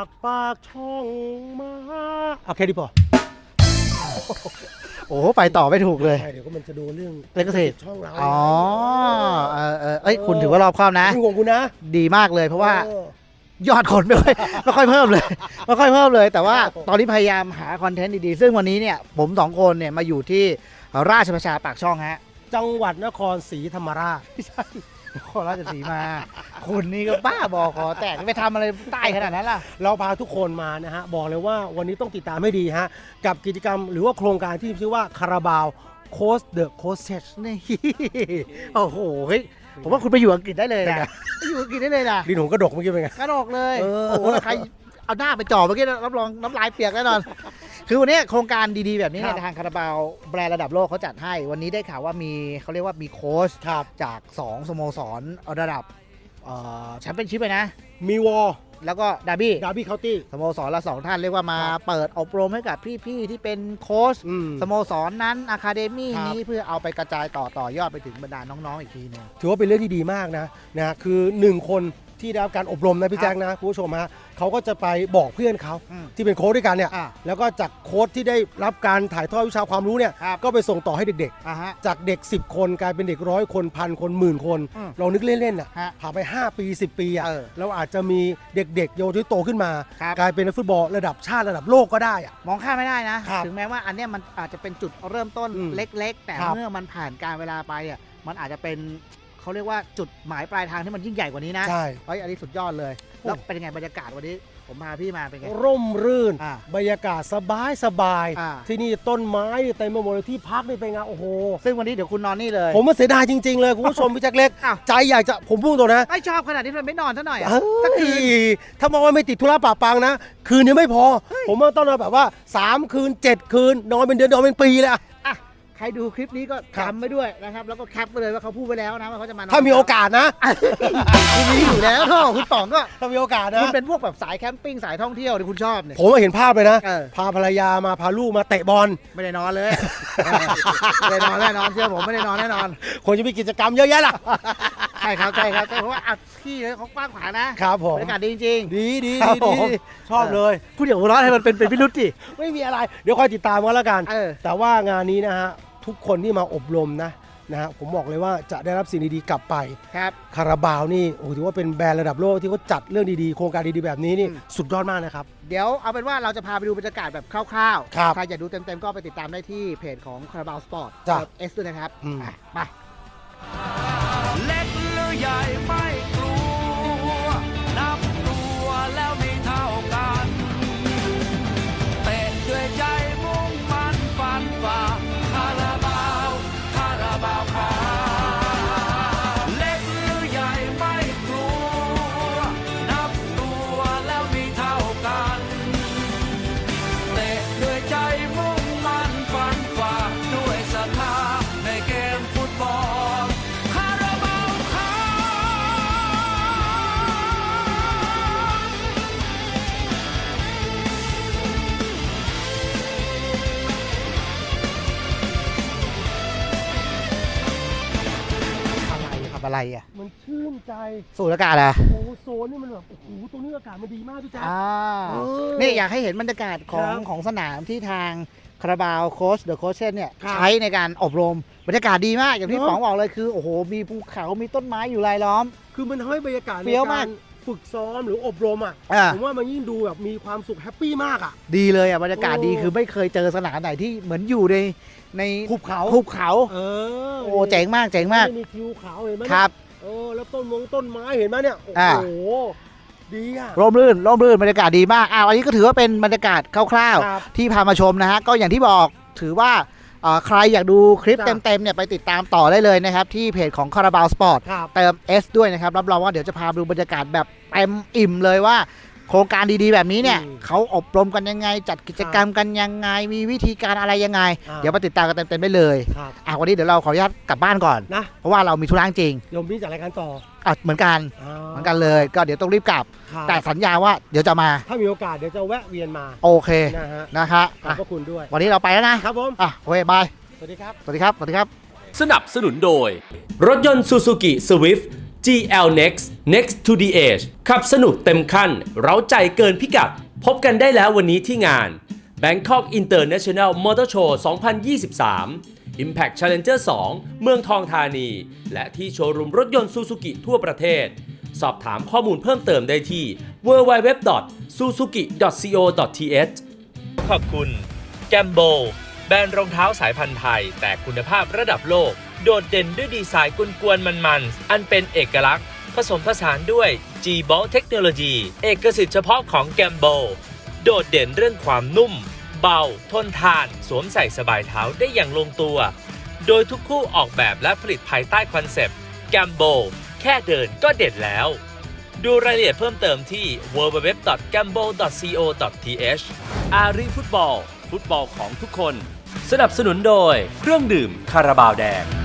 ากปากช่องมาโอเคดีพอโอ้ไปต่อไม่ถูกเลยใช่เดี๋ยวก็มันจะโดนเรื่องเล่นเกษตรช่องเราอ๋อเอ้ยคุณถือว่ารอบคอบนะเป็นห่วงคุณนะดีมากเลยเพราะว่ายอดคนไม่ค่อยเพิ่มเลยไม่ค่อยเพิ่มเลย แต่ว่าตอนนี้พยายามหาคอนเทนต์ดีๆซึ่งวันนี้เนี่ยผมสองคนเนี่ยมาอยู่ที่ราชประชาปากช่องฮะจังหวัดนครศรีธรรมราชนครราชสีมา คุณนี่ก็บ้าบอคอแตกไปทำอะไรใต้ขนาดนั้นล่ะเราพาทุกคนมานะฮะบอกเลยว่าวันนี้ต้องติดตามให้ดีฮะกับกิจกรรมหรือว่าโครงการที่ชื่อว่าคาราบาวโค้ชเดอะโค้ชเชนี่โอ้โหเฮ้ยผมว่าคุณไปอยู่อังกฤษได้เลยนะไปอยู่อังกฤษได้เลยนะดินหงกระดกเมื่อกี้เป็นไงกระดกเลยเออโอ้โหใครเอาหน้าไปจ่อเมื่อกี้รับรองน้ำลายเปียกแน่นอน คือวันนี้โครงการดีๆแบบนี้เนี่ยทางคาราบาวแบรนด์ระดับโลกเขาจัดให้วันนี้ได้ข่าวว่ามีเขาเรียกว่ามีโค้ชครับจาก2สโมสรระดับแชมเปี้ยนชิพเลยนะมีวอลแล้วก็ดาร์บี้ดาร์บี้เคาน์ตี้สโมสรละ2ท่านเรียกว่ามาครับเปิดอบรมให้กับพี่ๆที่เป็นโค้ชอืมสโมสรนั้นอะคาเดมี่ครับนี้เพื่อเอาไปกระจายต่อยอดไปถึงบรรดาน้องๆอีกทีหนึงถือว่าเป็นเรื่องที่ดีมากนะคือ 1 คนที่ได้รับการอบรมนะพี่แจ๊คนะคุณผู้ชมฮะเขาก็จะไปบอกเพื่อนเขาอืมที่เป็นโค้ชด้วยกันเนี่ยอ่ะแล้วก็จากโค้ชที่ได้รับการถ่ายทอดวิชาความรู้เนี่ยครับก็ไปส่งต่อให้เด็กอ่ะฮะๆ จากเด็ก 10 คนกลายเป็นเด็ก100 คนพันคนหมื่นคนอืมเรานึกเล่นๆอ่ะฮะผ่านไป 5 ปี 10 ปีอ่ะเออเราอาจจะมีเด็กๆเยาวชนที่โตขึ้นมาครับกลายเป็นนักฟุตบอลระดับชาติระดับโลกก็ได้อ่ะมองข้ามไม่ได้นะครับถึงแม้ว่าอันเนี้ยมันอาจจะเป็นจุดเริ่มต้นอืมเล็กๆ แต่ครับเมื่อมันผ่านการเวลาไปอ่ะมันอาจจะเป็นเขาเรียกว่าจุดหมายปลายทางที่มันยิ่งใหญ่กว่านี้นะใช่เฮ้ยอันนี้สุดยอดเลย แล้วเป็นยังไงบรรยากาศวันนี้ผมพาพี่มาเป็นไงร่มรื่นอ่าบรรยากาศสบายอ่าที่นี่ต้นไม้เต็มไปหมดเลยที่พักนี่เป็นไงโอ้โหซึ่งวันนี้เดี๋ยวคุณนอนนี่เลยผมมาเสียดายจริง ๆ เลยคุณผู้ชม พี่แจ็คเล็กอ้าวใจอยากจะผมพูดตรงนะไม่ชอบขนาดนี้มันไม่นอนซะหน่อยอ่ะเฮ้สักคืนยถ้ามองว่าไม่ติดธุระปะปังนะ คืนนี้ไม่พอ ผมว่าต้องนอนแบบว่า 3 คืน 7 คืน นอนเป็นเดือนนอนเป็นปีเลยอะอ่ะใครดูคลิปนี้ก็ครับจำไว้ด้วยนะครับแล้วก็แคปไปเลยว่าเขาพูดไปแล้วนะว่าเขาจะมานอนถ้ามีโอกาสนะคุณมีอยู่แล้วก็คุณป๋องก็ถ้ามีโอกาสนะคุณเป็นพวกแบบสายแคมปิ้งสายท่องเที่ยวที่คุณชอบเนี่ยผมเห็นภาพเลยนะเออพาภรรยามาพาลูกมาเตะบอลไม่ได้นอนเลยไม่ได้นอนแน่นอนเชื่อผมไม่ได้นอนแน่นอนควรจะมีกิจกรรมเยอะแยะล่ะใช่ครับเพราะว่าอัดที่เลยเขากว้างขวางนะครับผมบรรยากาศดีจริงดีดีครับดีผมดีชอบเลยๆคุณอย่าหัวเราะให้มันเป็นพิรุษดิไม่มีอะไร เดี๋ยวคอยติดตามกันแล้วกันเออแต่ว่างานนี้นะฮะทุกคนที่มาอบรมนะฮะผมบอกเลยว่าจะได้รับสิ่งดีๆกลับไปครับคาราบาวนี่โอ้โหถือว่าเป็นแบรนด์ระดับโลกที่เขาจัดเรื่องดีๆโครงการดีๆแบบนี้นี่อืมสุดยอดมากนะครับเดี๋ยวเอาเป็นว่าเราจะพาไปดูบรรยากาศแบบคร่าวๆครับใครอยากดูเต็มๆก็ไปติดตามได้ที่เพจของคาราบาวสปอร์ตจ้ะเอสด้วยนะครับอืมอ่ะไปเล็กหรือใหญ่ไม่กลัว นับตัวแล้วมีเท่ากันเตะด้วยใจมุ่งมันฟันฝ่าคาราบาวคาราบาวคาเล็กหรือใหญ่ไม่กลัว นับตัวแล้วมีเท่ากันเตะด้วยใจมุ่งมันฟันฝ่าด้วยศรัทธาในเกมฟุตบอล คาราบาวคาอะไรครับอะไรอ่ะมันชื่นใจสูดอากาศอ่ะโอ้โหโซนนี่มันแบบโอ้โหตรงนี้อากาศมันดีมากพี่แจ๊ค เออนี่อยากให้เห็นบรรยากาศของครับของสนามที่ทางคาราบาวโค้ชเดอะโค้ชเนี่ยครับใช้ในการอบรมบรรยากาศดีมากอย่างที่เนอะป๋องบอกเลยคือโอ้โหมีภูเขามีต้นไม้อยู่รายล้อมคือมันทำให้บรรยากาศในเฟี้ยวมากการฝึกซ้อมหรืออบรมอ่ะอ่าผมว่ามันยิ่งดูแบบมีความสุขแฮปปี้มากอ่ะดีเลยอ่ะบรรยากาศดีโอ้คือไม่เคยเจอสนามไหนที่เหมือนอยู่ในหุบเขาหุบเขาเออโอ้เจ๋งมากเจ๋งมากไม่มีทิวเขาเห็นไหมเนี่ยครับแล้วต้นไม้เห็นไหมเนี่ยโอ้อ่าโหดีอ่ะร่มรื่นบรรยากาศดีมากอันนี้ก็ถือว่าเป็นบรรยากาศคร่าวครับๆที่พามาชมนะฮะก็อย่างที่บอกถือว่าใครอยากดูคลิปจ้ะเต็มๆเนี่ยไปติดตามต่อได้เลยนะครับที่เพจของคาราบาวสปอร์ตครับเติม S ด้วยนะครับรับรองว่าเดี๋ยวจะพาดูบรรยากาศแบบเต็มอิ่มเลยว่า โครงการดีๆแบบนี้เนี่ยอืมเขาอบรมกันยังไง จัดกิจกรรมกันยังไง มีวิธีการอะไรยังไงอ่าเดี๋ยวมาติดตามกันเต็มๆได้เลยครับวันนี้เดี๋ยวเราขออนุญาตกลับบ้านก่อนนะเพราะว่าเรามีธุระจริงโยมพี่จัดรายการต่อเหมือนกันเลย ก็เดี๋ยวต้องรีบกลับครับแต่สัญญาว่าเดี๋ยวจะมาถ้ามีโอกาสเดี๋ยวจะแวะเวียนมาโอเคนะฮะนะคะขอบพระคุณด้วยวันนี้เราไปแล้วนะครับผมโอเคบายสวัสดีครับสวัสดีครับสนับสนุนโดย รถยนต์ Suzuki Swift GL Next Next to the Edge ขับสนุกเต็มขั้นเร้าใจเกินพิกัด พบกันได้แล้ววันนี้ที่งาน Bangkok International Motor Show 2023 Impact Challenger 2 เมืองทองธานี และที่โชว์รูมรถยนต์ Suzuki ทั่วประเทศ สอบถามข้อมูลเพิ่มเติมได้ที่ www.suzuki.co.th ขอบคุณ Gambo แบรนด์รองเท้าสายพันธุ์ไทยแต่คุณภาพระดับโลกโดดเด่นด้วยดีไซน์กวนๆมันๆอันเป็นเอกลักษณ์ผสมผสานด้วย G-Bolt เทคโนโลยีเอกสิทธิ์เฉพาะของ Gambo โดดเด่นเรื่องความนุ่มเบาทนทานสวมใส่สบายเท้าได้อย่างลงตัวโดยทุกคู่ออกแบบและผลิตภายใต้คอนเซปต์ Gambo แค่เดินก็เด็ดแล้ว ดูรายละเอียดเพิ่มเติมที่ www.gambo.co.th อารีฟุตบอลฟุตบอลของทุกคนสนับสนุนโดยเครื่องดื่มคาราบาวแดง